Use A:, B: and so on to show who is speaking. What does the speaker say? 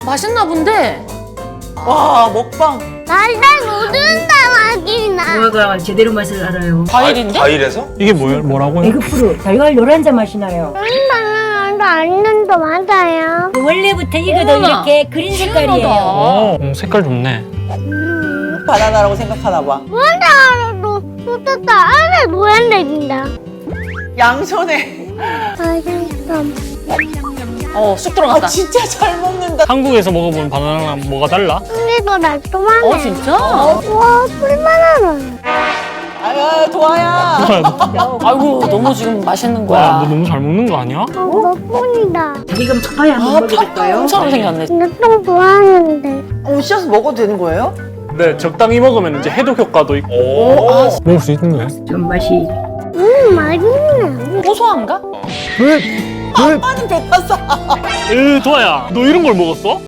A: 맛있나 본데?
B: 와, 먹방.
C: 달달 모른다 맛이나.
D: 무화과 제대로 맛을 알아요.
A: 과일인데?
E: 과일에서?
F: 이게 뭐라고요?
D: 에그프루 달걀 노란자 맛이 나요.
C: 달달도 안는도 맞아요.
D: 원래부터 이거도
A: 어머나.
D: 이렇게 그린 색깔이에요.
A: 신기하다.
F: 색깔 좋네.
B: 바나나라고 생각하나 봐.
C: 뭔가도 쏟았다 안에 노란색인다.
B: 양손에.
C: 맛있어.
A: 쑥 들어갔다.
B: 아, 진짜 잘 먹는다.
F: 한국에서 먹어본 바나나랑 뭐가 달라?
C: 근데도 날조만해.
A: 진짜?
C: 와 풀바나나.
B: 아유, 도아야.
A: 아이고, 너무 지금 맛있는
F: 와,
A: 거야.
F: 너 너무 잘 먹는 거 아니야?
C: 먹뿐이다.
D: 지금 파파야 한번 먹어볼까요?
A: 콩처럼 생겼네.
C: 근데 똥 좋아하는데.
B: 씻어서 먹어도 되는 거예요?
F: 네, 적당히 먹으면 이제 해독 효과도 있고. 먹을 수 있는데.
D: 좀 맛이
C: 맛있네.
A: 고소한가?
B: 아빠는 배 탔어.
F: 도아야, 너 이런 걸 먹었어?